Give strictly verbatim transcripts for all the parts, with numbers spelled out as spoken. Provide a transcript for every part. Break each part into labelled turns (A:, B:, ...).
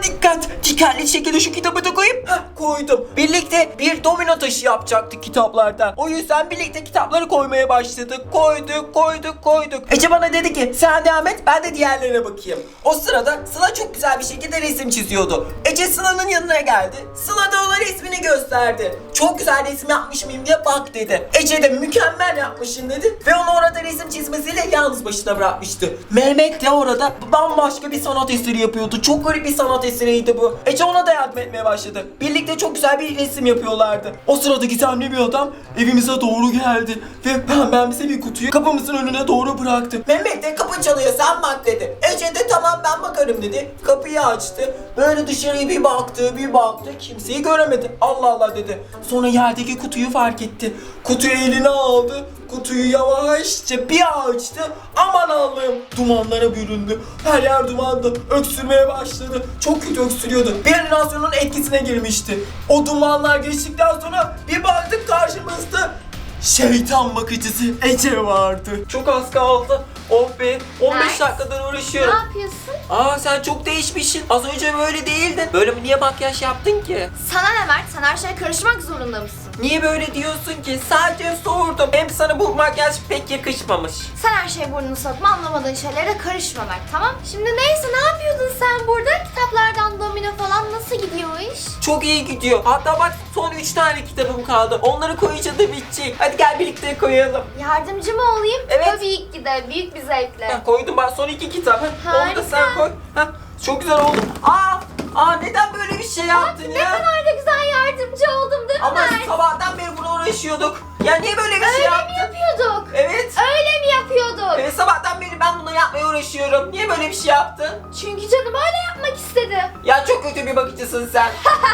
A: Dikkat! Dikkatli şekilde şu kitabı da koyayım. Heh, koydum. Birlikte bir domino taşı yapacaktık kitaplardan. O yüzden birlikte kitapları koymaya başladık. Koyduk, koyduk, koyduk. Ece bana dedi ki sen devam et, ben de diğerlerine bakayım. O sırada Sıla çok güzel bir şekilde resim çiziyordu. Ece Sıla'nın yanına geldi. Sıla da ona resmini gösterdi. Çok güzel resim yapmış mıyım diye bak dedi. Ece de mükemmel yapmışsın dedi. Ve onu orada resim çizmesiyle yalnız başına bırakmıştı. Mehmet de orada bambaşka bir sanat eseri yapıyordu. Çok garip bir sanat eseriydi bu. Ece ona da yardım etmeye başladı. Birlikte çok güzel bir resim yapıyorlardı. O sırada gizemli bir adam evimize doğru geldi. Ve pembemsi bir kutuyu kapımızın önüne doğru bıraktı. Mehmet de kapı çalıyor sen bak dedi. Ece de tamam ben bakarım dedi. Kapıyı açtı. Böyle dışarıya bir baktı bir baktı. Kimseyi göremedi. Allah Allah dedi. Sonra yerdeki kutuyu fark etti. Kutuyu eline aldı. Kutuyu yavaşça bir açtı. Aman Allah'ım, dumanlara büründü. Her yer dumandı. Öksürmeye başladı. Çok kötü öksürüyordu. Bir halüsinasyonun etkisine girmişti. O dumanlar geçtikten sonra bir baktık karşımızda şeytan bakıcısı Ece vardı. Çok az kaldı. Oh be, on beş
B: Nice.
A: dakikadan uğraşıyorum.
B: Ne yapıyorsun?
A: Aa sen çok değişmişsin. Az önce böyle değildin. Böyle mi, niye makyaj yaptın ki?
B: Sana ne Mert? Sen her şeye karışmak zorunda mısın?
A: Niye böyle diyorsun ki? Sadece sordum. Hem sana bu makyaj pek yakışmamış.
B: Sen her şeye burnunu sokma, anlamadığın şeylere de karışma Mert, tamam? Şimdi neyse, ne yapıyordun sen burada? Kitaplardan domino falan nasıl gidiyor o iş?
A: Çok iyi gidiyor. Hatta bak son üç tane kitabım kaldı. Onları koyunca da bitecek. Hadi gel birlikte koyalım.
B: Yardımcı mı olayım?
A: Evet.
B: Tabii ki de, büyük bir zevkle.
A: Heh, koydum bak son iki kitap. Heh, onu da sen
B: Harika.
A: koy. Heh, çok güzel oldu. Aa, aa neden böyle bir şey yaptın
B: Ne
A: ya?
B: kadar da güzel yardımcı oldum değil mi
A: Ama
B: Mert?
A: sabahtan beri buna uğraşıyorduk. Ya niye böyle bir şey
B: Öyle
A: yaptın?
B: mi yapıyorduk?
A: Evet.
B: Öyle mi yapıyorduk?
A: Evet sabahtan beri ben bunu yapmaya uğraşıyorum. Niye böyle bir şey yaptın?
B: Çünkü canım öyle yapmak istedi.
A: Ya çok kötü bir bakıcısın sen.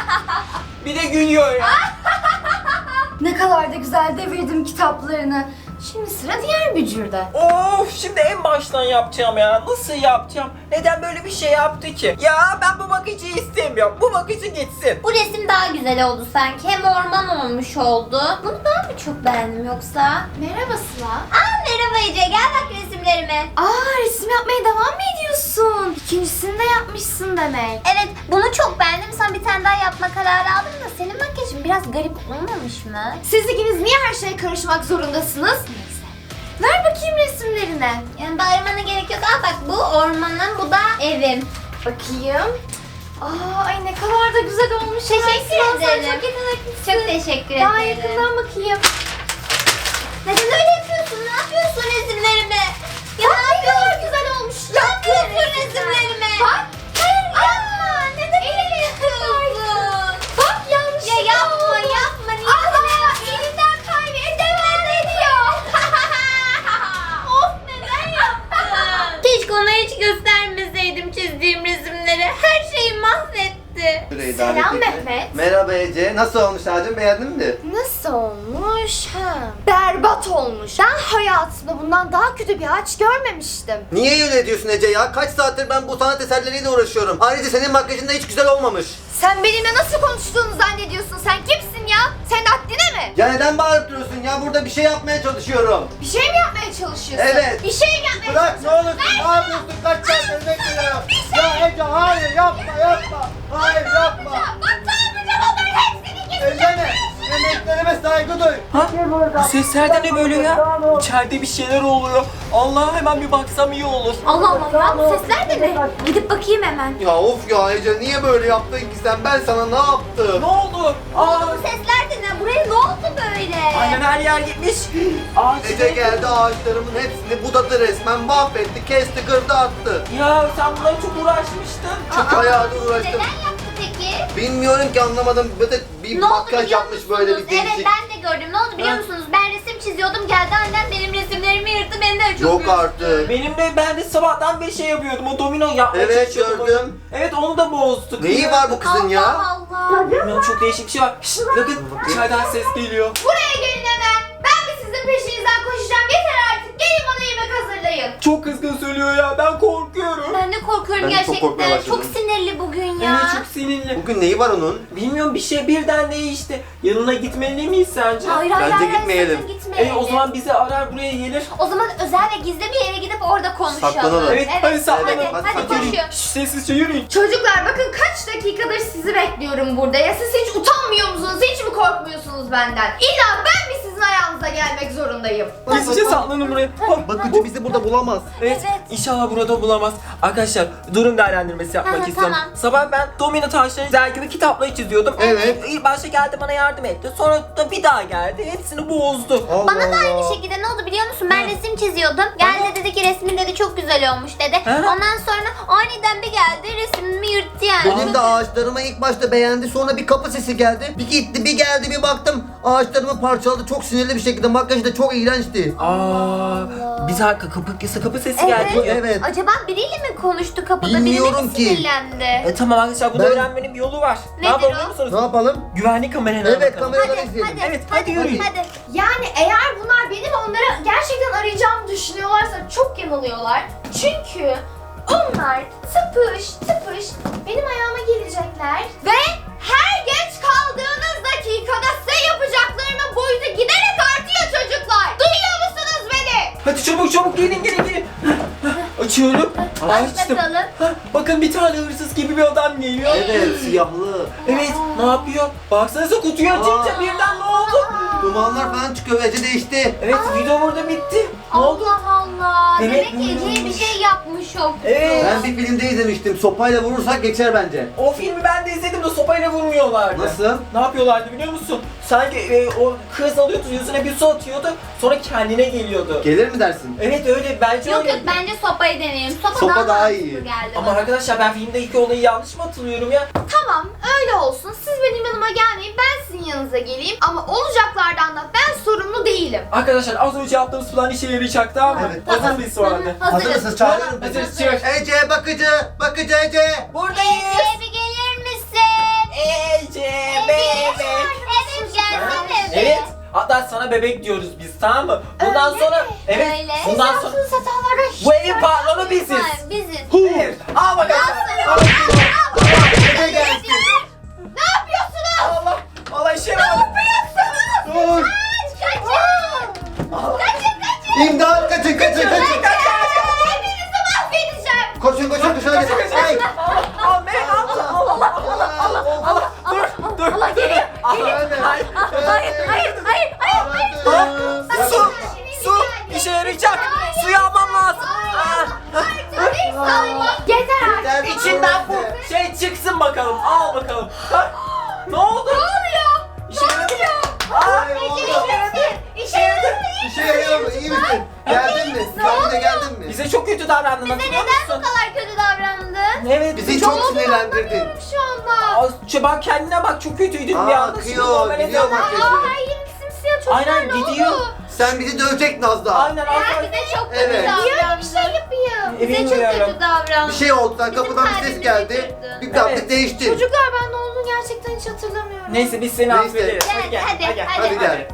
A: Bir de gülüyor ya.
B: Ne kadar da güzel devirdim kitaplarını. Şimdi sıra diğer bücürde.
A: Of, şimdi en baştan yapacağım ya. Nasıl yapacağım? Neden böyle bir şey yaptı ki? Ya ben bu bakıcıyı istemiyorum. Bu bakıcı gitsin.
C: Bu resim daha güzel oldu sanki. Hem orman olmuş oldu. Bunu ben mi çok beğendim yoksa?
B: Merhaba Sıla.
C: Aa merhaba Ece, gel bak resimlerime.
B: Aa, resim yapmaya devam mı ediyorsun? İkincisini de yapmışsın demek.
C: Evet, bunu çok beğendim. Sana bir tane daha yapma kararı aldım da senin makyajın biraz garip olmamış mı?
B: Siz ikiniz niye her şeye karışmak zorundasınız? Neyse. Ver bakayım resimlerine.
C: Yani bağırmana gerek yok. Al bak, bu ormanın, bu da evim.
B: Bakayım. Aa, ay ne kadar da güzel olmuş.
C: Teşekkür
B: Sıla, sen
C: ederim.
B: çok yeteneklisin.
C: Çok teşekkür
B: Daha
C: ederim.
B: yakından bakayım.
C: Neden öyle yapıyorsun? Ne yapıyorsun resimlerime? Ya
B: Bak
C: ne
B: ne kadar
C: yapıyorsun?
B: güzel olmuş.
C: Ne yapıyorsun resimlerime?
B: Bak.
C: Hayır yapma. Neden öyle yapıyorsun?
B: Bak yanlış.
C: Ya yapma yapma. Niye
B: Aa, elinden kaydı. Devam ediyor.
C: Of, neden yaptın? Keşke ona hiç göstermeseydim çizdiğim resimleri. Her şeyi mahvetti.
D: Süreyi
B: Selam
D: davet ettim.
B: Mehmet.
D: Merhaba Ece. Nasıl olmuş Hacım? Beğendin mi?
B: Nasıl olmuş? Ha. Berbat olmuş. Ben hayatımda bundan daha kötü bir ağaç görmemiştim.
D: Niye öyle diyorsun Ece ya? Kaç saattir ben bu sanat eserleriyle uğraşıyorum. Ayrıca senin makyajın da hiç güzel olmamış.
B: Sen benimle nasıl konuştuğunu zannediyorsun? Sen kimsin ya? Sen haddine mi?
D: Ya neden bağırıp duruyorsun ya? Burada bir şey yapmaya çalışıyorum.
B: Bir şey mi yapmaya çalışıyorsun?
D: Evet.
B: Bir şey mi yapmaya
D: Bırak ne
B: çalışıyorsun?
D: olursun. Ne yapıyorsun? Kaç saattir bekliyorum. Ya Ece hayır yapma yapma. Hayır yapma.
B: Bak ne yapacağım, onların hepsini gizli.
D: Elleme. Yemeklerime saygı duy.
A: Ha? Bu sesler de ne böyle ya? İçeride bir şeyler oluyor. Allah, hemen bir baksam iyi olur.
B: Allah Allah ya, bu sesler de ne? Gidip bakayım hemen.
D: Ya of ya Ece niye böyle yaptın ki sen? Ben sana ne yaptım?
A: Ne oldu? Aa,
C: Bu sesler de ne? Buraya ne oldu böyle?
A: aynen her yer gitmiş. Ağaç
D: Ece geldi ağaçlarımın hepsini budadı resmen. Mahvetti, kesti, kırdı, attı.
A: Ya sen bunlara çok uğraşmıştın.
D: Çok hayatı uğraştım.
C: Neden yaptı peki?
D: Bilmiyorum ki anlamadım. Böyle bir
C: Ne oldu
D: makyaj
C: biliyor
D: yapmış böyle bir
C: musunuz?
D: değişik.
C: Evet ben de gördüm. Ne oldu biliyor
A: Ha?
C: musunuz? Ben resim çiziyordum. Geldi annem benim resimlerimi yırttı. Beni de çok
D: Yok
C: üzdü.
D: artık.
A: Benim de, ben de sabahtan bir şey yapıyordum. O domino yapmaya
D: Evet,
A: çalışıyordum.
D: gördüm.
A: Evet, onu da bozdu.
D: Neyi var bu kızın ya?
C: Allah Allah.
A: Bilmiyorum, çok değişik bir şey var. Şşt, bakın içeriden ses geliyor.
B: Buraya gelin hemen. Ben de sizin peşinizden koşacağım. Yeter artık. Gelin bana yemek hazırlayın.
A: Çok kızgın söylüyor ya, ben korkuyorum.
C: Ben de korkuyorum
D: Ben de çok korkmaya
C: gerçekten. Çok,
D: başladım.
C: sinirli bugün ya.
A: Evet, çok seninle.
D: Bugün neyi var onun?
A: Bilmiyorum, bir şey birden değişti. Yanına gitmeli miyiz sence?
C: Hayır hayır
D: Bence
C: hayır,
D: gitmeyelim.
C: sakın gitmeyelim.
A: E, o zaman bizi arar, buraya gelir.
C: O zaman özel ve gizli bir yere gidip orada konuşalım.
D: Saklanalım.
A: Evet, hadi saklanalım.
C: Hadi,
D: Hadi
C: hadi,
D: saklanalım.
C: koşun.
A: Şşş, sessizce yürüyün.
B: Çocuklar bakın kaç dakikadır sizi bekliyorum burada. Ya siz hiç utanmıyor musunuz? Hiç mi korkmuyorsunuz benden? İlla ben mi sizin ayağınıza gelmek zorundayım?
A: Gizlice saklanın buraya. Hop.
D: Bakıcı bizi burada bulamaz.
A: Evet,
C: Evet.
A: inşallah burada bulamaz. Arkadaşlar durum değerlendirmesi yapmak
C: Aha,
A: istiyorum.
C: tamam.
A: Sabah ben domino taşları dergide kitapları çiziyordum.
D: Evet.
A: İlk başta geldi bana yardım etti. Sonra da bir daha geldi. Hepsini bozdu.
D: Allah
C: Bana da aynı
D: Allah.
C: şekilde ne oldu biliyor musun? Ben
A: Ha.
C: resim çiziyordum. Geldi dedi ki resmin dedi çok güzel olmuş dedi.
A: Ha.
C: Ondan sonra aniden bir geldi resmimi yırttı yani.
D: Benim de ağaçlarıma ilk başta beğendi, sonra bir kapı sesi geldi. Bir gitti bir geldi bir baktım ağaçlarımı parçaladı, çok sinirli bir şekilde. Makyajı da çok iğrençti.
A: Aa, bir dakika, kapı, kapı sesi
C: Evet.
A: geldi.
D: Evet.
C: Acaba biriyle mi konuştu kapıda?
D: Bilmiyorum
C: Birine mi
D: ki.
C: sinirlendi?
A: E tamam arkadaşlar, bunu
D: Ben-
A: öğrenmenin bir yolu var. Ne
C: Nedir
A: yapalım
C: o?
A: biliyor musunuz?
D: Ne yapalım?
A: Güvenlik kameralarına
D: Evet,
A: bakalım.
D: kameraları
C: Hadi,
D: izleyelim.
C: hadi,
A: Evet, hadi yürüyün.
C: hadi.
B: Yani eğer bunlar benim onları gerçekten arayacağımı düşünüyorlarsa çok yanılıyorlar. Çünkü onlar tıpış tıpış benim ayağıma gelecekler ve her geç kaldığınız dakikada size yapacaklarının boyutu giderek artıyor çocuklar. Duyuyor musunuz beni?
A: Hadi çabuk çabuk gelin gelin gelin. Açıyorum. Açtım.
C: bakalım.
A: Hah, bakın bir tane hırsız gibi bir adam geliyor.
D: Evet, siyahlı.
A: Evet, ne yapıyor? Baksanıza, kutuyu açınca
D: Aa.
A: birden ne oldu?
D: Dumanlar falan çıkıyor, Ece değişti.
A: Evet, video burada bitti. Ne oldu?
C: Allah Allah.
A: Evet,
C: Demek ki
A: ne
C: Ece'ye bir
A: olmuş?
C: şey yapmış o.
A: Evet.
D: Ben bir filmde izlemiştim, sopayla vurursak geçer bence.
A: O filmi ben de izledim de sopayla vurmuyorlardı.
D: Nasıl?
A: Ne yapıyorlardı biliyor musun? Sanki e, o kız alıyordu, yüzüne bir su atıyordu, sonra kendine geliyordu.
D: Gelir mi dersin?
A: Evet öyle, bence
C: Yok
A: öyle.
C: yok bence sopayı deneyelim. Sopa,
D: Sopa
C: daha,
D: daha
C: mantıklı
D: iyi.
C: geldi
A: Ama
C: bana.
A: arkadaşlar, ben filmdeki olayı yanlış mı hatırlıyorum ya?
B: Tamam öyle olsun. Siz benim yanıma gelmeyin. Ben sizin yanınıza geleyim. Ama olacaklardan da ben sorumlu değilim.
A: Arkadaşlar az önce yaptığımız plan işe yarayacak, tamam mı?
D: Evet.
A: Hazır mıyız sonra da?
C: Hazırız.
D: Hazır mısınız? Çağırıyorum.
A: Hazırız, çık.
D: Ece, bakıcı, bakıcı Ece.
A: Buradayız.
C: Ece bir gelir misin?
A: Ece bebek.
C: Evet gelsene.
A: Evet. Hatta sana bebek diyoruz biz, tamam mı? Bundan
B: Öyle
A: sonra
B: mi?
A: evet.
C: Öyle.
A: Bundan sonra
B: Yaptığınız hatalara hiç
A: bu evin patronu biziz.
C: Ha, biziz.
A: Evet. Al bakalım. Al.
D: Ece gelsin.
B: Ne yapıyorsunuz?
A: Allah. Allah işe yarar.
D: Dur.
B: Kaçın kaçın.
D: İmdat, kaçın, kaçın, kaçın.
B: Hepinizi mahvedeceğim.
D: Koşun, koşun, koşun. Hadi. Ay.
A: Al bebek al. Al al al al. Dur dur.
C: Allah geliyor.
D: Hadi.
A: Hayır.
C: Hayır hayır hayır hayır.
D: Hadi.
A: Su. Su. İşe yarayacak. Suyu almam lazım. Ah.
B: Yeter artık.
D: Yeter.
A: İçinden bu şey çıksın bakalım. Al bakalım. Ha? Ne oldu?
B: Ne oluyor?
A: İşe yaradı mı? Aa,
D: Ay, oldu.
A: işe yaradı. İşe yaradı.
D: İşe yarıyor mu? İyi misin? Geldin mi? Kendine geldin mi?
A: Bize çok kötü davrandın,
C: Bize
A: hatırlıyor
C: neden bu
A: musun?
C: kadar kötü davrandın?
A: Evet.
D: Bizi çok sinirlendirdin.
B: Şu anda.
A: Aa, şu bak kendine bak, çok kötüydün bir
D: Aa,
A: anda. Şimdi
D: akıyor,
A: normale
D: gidiyor
A: dön.
D: makyajı.
B: Aa, her yerim simsiyah çocuklar.
A: Aynen,
B: ne
A: gidiyor.
B: oldu?
D: Sen bizi dövecek Nazlı.
A: Aynen
C: Ben
A: aynen.
C: bize çok kötü
D: Evet.
B: Niye öyle bir
C: davrandın.
B: şey yapayım?
C: Bize çok
A: Bilmiyorum.
C: kötü davrandın.
D: Bir şey oldu. Sen
C: Bizim
D: kapıdan bir ses
C: kalbimizi
D: geldi.
C: kırdın.
D: Bir baktık
A: Evet.
D: değişti.
B: Çocuklar ben ne olduğunu gerçekten hiç hatırlamıyorum.
A: Neyse biz seni
D: Neyse.
A: affederiz.
C: Gel, hadi,
A: gel.
C: hadi.
D: Hadi gel.